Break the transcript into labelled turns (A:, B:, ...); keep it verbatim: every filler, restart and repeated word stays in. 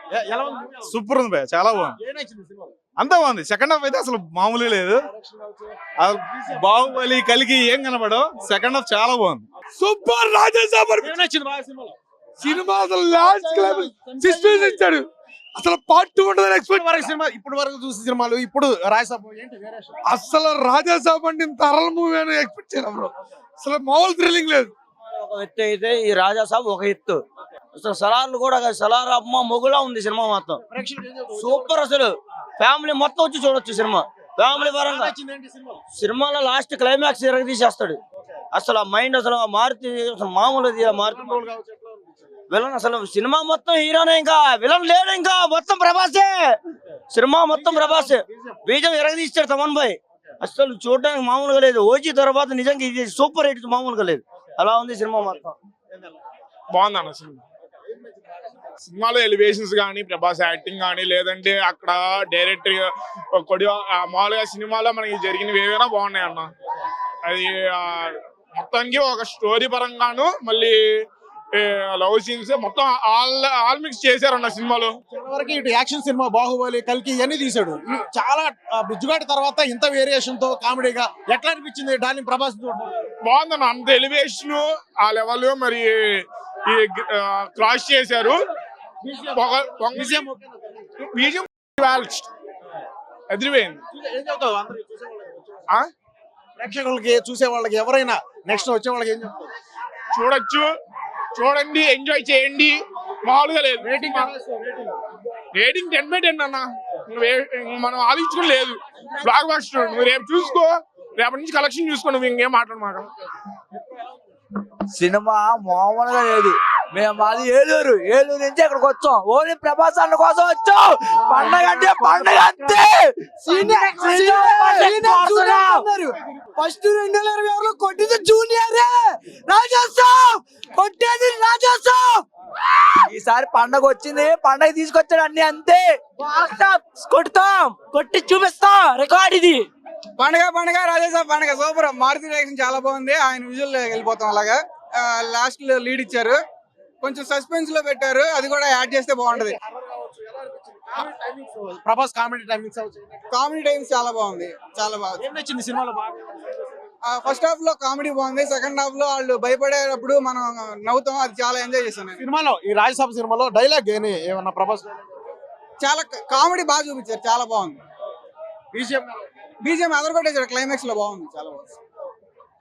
A: Super ఉంది భయ్య, చాలా బాగుంది. అంతా బాగుంది. సెకండ్ హాఫ్ అయితే అసలు మామూలు లేదు. బాహుబలి కలిగి ఏం కనబడో సెకండ్ హాఫ్ చాలా బాగుంది.
B: సూపర్ రాజేసాబ్ సినిమా అసలు లాస్ట్ క్లైమాక్స్ సస్పెన్స్ ఇచ్చాడు. అసలు పార్ట్ టూ ఉంటుందని ఎక్స్పెక్ట్
C: వరకు సినిమా ఇప్పుడు వరకు చూసిన సినిమాలు ఇప్పుడు రాజసాబ్ ఏంటి వేరియేషన్?
B: అసలు రాజాసాబ్ అంటే ఇంత అరల మూవీ అని ఎక్స్పెక్ట్ చేయలేదు బ్రో. అసలు మామూలు థ్రిల్లింగ్ లేదు.
D: ఒక ఎత్తు అయితే ఈ రాజాసాబ్ ఒక ఎత్తు, అసలు సలార్లు కూడా సలార్ అమ్మ మొగులా ఉంది సినిమా మొత్తం. సూపర్, అసలు ఫ్యామిలీ మొత్తం వచ్చి చూడొచ్చు సినిమా. ఫ్యామిలీ పరంగా సినిమాలో లాస్ట్ క్లైమాక్స్ తీసేస్తాడు. అసలు ఆ మైండ్ అసలు మారుతి అసలు మామూలు మారుతి విలన్. అసలు సినిమా మొత్తం హీరోనే, ఇంకా విలన్ లేడు, ఇంకా మొత్తం ప్రభాసే. సినిమా మొత్తం ప్రభాసే. బీజం ఎరగదీస్తాడు తమన్ భాయ్. అసలు చూడడానికి మామూలుగా లేదు. ఓజీ తర్వాత నిజంగా ఇది సూపర్ హిట్, మామూలుగా లేదు. అలా ఉంది సినిమా మొత్తం.
E: బాగుంది అన్న సినిమా. సినిమాలో ఎలివేషన్స్ కానీ, ప్రభాస్ యాక్టింగ్ కానీ, లేదంటే అక్కడ డైరెక్టర్ కొడి మామూలుగా సినిమాలో మనకి జరిగినవి ఏవైనా బాగున్నాయి అన్న. అది మొత్తానికి ఒక స్టోరీ పరంగాను, మళ్ళీ లవ్ సీన్స్ మొత్తం ఆల్ ఆల్ మిక్స్ చేశారన్న సినిమాలో.
C: వరకు ఇటు యాక్షన్ సినిమా బాహుబలి కల్కి ఇవన్నీ తీసాడు. చాలా బిజ్జుగాడి తర్వాత ఇంత వేరియేషన్ తో కామెడీగా ఎట్లా అనిపించింది డార్లింగ్ ప్రభాస్?
E: బాగుందన్న, అంత ఎలివేషన్ ఆ లెవెల్ మరి క్రాస్ చేశారు.
C: ప్రేక్షకులకి చూసే వాళ్ళకి ఎవరైనా నెక్స్ట్ వచ్చే వాళ్ళకి ఏం చెప్తారు?
E: చూడొచ్చు, చూడండి, ఎంజాయ్ చేయండి. మామూలుగా లేదు. Rating rating ten by ten అన్న. మనం ఆలోచించుకుని లేదు. Blockbuster. నువ్వు రేపు చూసుకో, రేపటి నుంచి కలెక్షన్ చూసుకో, నువ్వు ఇంకేం మాట్లాడమాట.
D: సినిమా మామూలుగా లేదు. మేము మాది ఏలూరు, ఏలూరు నుంచి ఇక్కడికి వచ్చాం. ఓన్లీ ప్రభాస్ అన్న కోసం వచ్చాం. పండగ అంటే పండగ అంతే.
B: ఫస్ట్ రెండు వేల ఇరవై ఆరులో కొట్టింది జూనియర్ రాజాసాబ్, కొట్టేది రాజాసాబ్.
D: ఈసారి పండగ వచ్చింది, పండగ తీసుకొచ్చాడు అన్ని అంతే. కొట్టుతాం, కొట్టి చూపిస్తాం. రికార్డ్ ఇది.
F: పండగ పండగ రాజాసాబ్ పండగ సూపర్. మారుతి రియాక్షన్ చాలా బాగుంది. ఆయన విజువల్ వెళ్ళిపోతాం. అలాగా లాస్ట్ లో లీడ్ ఇచ్చారు, కొంచెం సస్పెన్స్ లో పెట్టారు. అది కూడా యాడ్ చేస్తే బాగుంటది.
C: Prabhas comedy timings
F: comedy times చాలా బాగుంది, చాలా బాగుంది.
C: ఏం నచ్చింది సినిమాలో బాగా?
F: ఫస్ట్ హాఫ్ లో కామెడీ బాగుంది. సెకండ్ హాఫ్ లో వాళ్ళు భయపడేటప్పుడు మనం నవ్వుతాం. అది చాలా ఎంజాయ్ చేస్తాను.
C: సినిమాలో ఈ రాజసాబ్ సినిమాలో డైలాగ్ ఏమన్నా ప్రభాస్
F: చాలా కామెడీ బాగా చూపించారు, చాలా బాగుంది.
C: బీజిఎం
F: బీజిఎం అదర్ కొట్టేసాడు. క్లైమాక్స్ లో బాగుంది, చాలా బాగుంది.